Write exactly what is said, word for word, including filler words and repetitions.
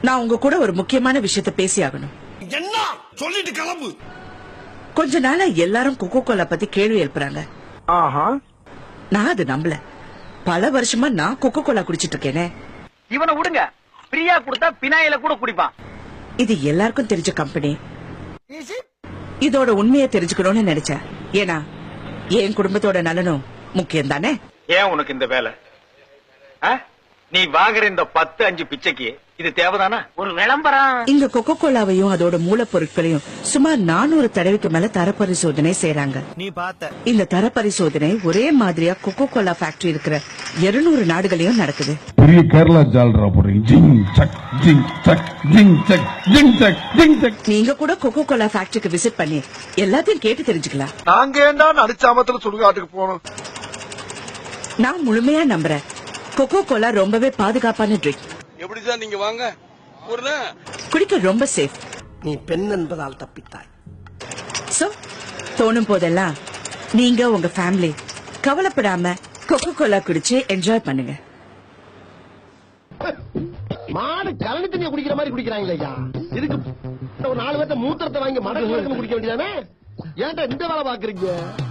நான் உங்க கூட ஒரு முக்கியமான விஷயத்த பேசி ஆகணும். என்ன சொல்லிட்டு கிளம்பு. கொஞ்ச நாளா எல்லாரும் கொக்கோ கோலா பத்தி கேள்வி எழுப்புறாங்க. ஆஹா, நான் அது நம்பல. பல வருஷமா நான் கொக்கோ கோலா குடிச்சிட்டு இருக்கேனே. இவனை விடுங்க, பிரியா கொடுத்தா பினாயில கூட குடிப்பான். இது எல்லாருக்கும் தெரிஞ்ச கம்பெனி. இதோட உண்மையை தெரிஞ்சுக்கணும்னு நினைச்சேன். ஏன்னா என் குடும்பத்தோட நலனும் முக்கியம் தானே. ஏன் உனக்கு இந்த வேலை? நீ வாங்குற இந்த பத்து அஞ்சு பிச்சைக்கு இது தேவைதானா? ஒரு விளம்பரம். இங்க கொக்கோ கோலாவையும் அதோட மூலப்பொருட்களையும் சுமார் நானூறு தடவைக்கு மேல தர பரிசோதனை செய்யறாங்க. நீ பார்த்த இந்த தர பரிசோதனை ஒரே மாதிரியா கொக்கோ கோலா ஃபேக்டரி இருக்கிற இருநூறு நாடுகளையும் நடக்குது. பெரிய கேரளா ஜால்ரா போறீங்க. ஜிங் சக் ஜிங் சக் ஜிங் சக் ஜிங் சக் ஜிங் சக். நீங்க கூட கொக்கோ கோலா ஃபேக்டரிக்கு விசிட் பண்ணி எல்லாத்தையும் கேட்டு தெரிஞ்சுக்கலாம். நாங்க ஏண்டா நடிச்சாமத்துல சுடுகாட்டுக்கு போனோம். நான் முழுமையா நம்புறேன். கொக்கோ கோலா ரொம்பவே பாதுகாப்பான ட்ரிங்க். எப்படிதான் நீங்க வாங்க குடிக்க ரொம்ப சேஃப். நீ பெண் என்பதால் தப்பித்தாய். சோ தோணும் போதெல்லாம் நீங்க உங்க ஃபேமிலி கவலைப்படாம கொக்கோ கோலா குடிச்சு என்ஜாய் பண்ணுங்க. மாடு கலனி தண்ணியை குடிக்கிற மாதிரி குடிக்கிறாங்களே ஐயா. இதுக்கு ஒரு நாலு பேர்த்த மூத்திரத்தை வாங்கி மடங்கு குடிக்க வேண்டியதானே. ஏன்டா இந்த வேலை பாக்குறீங்க?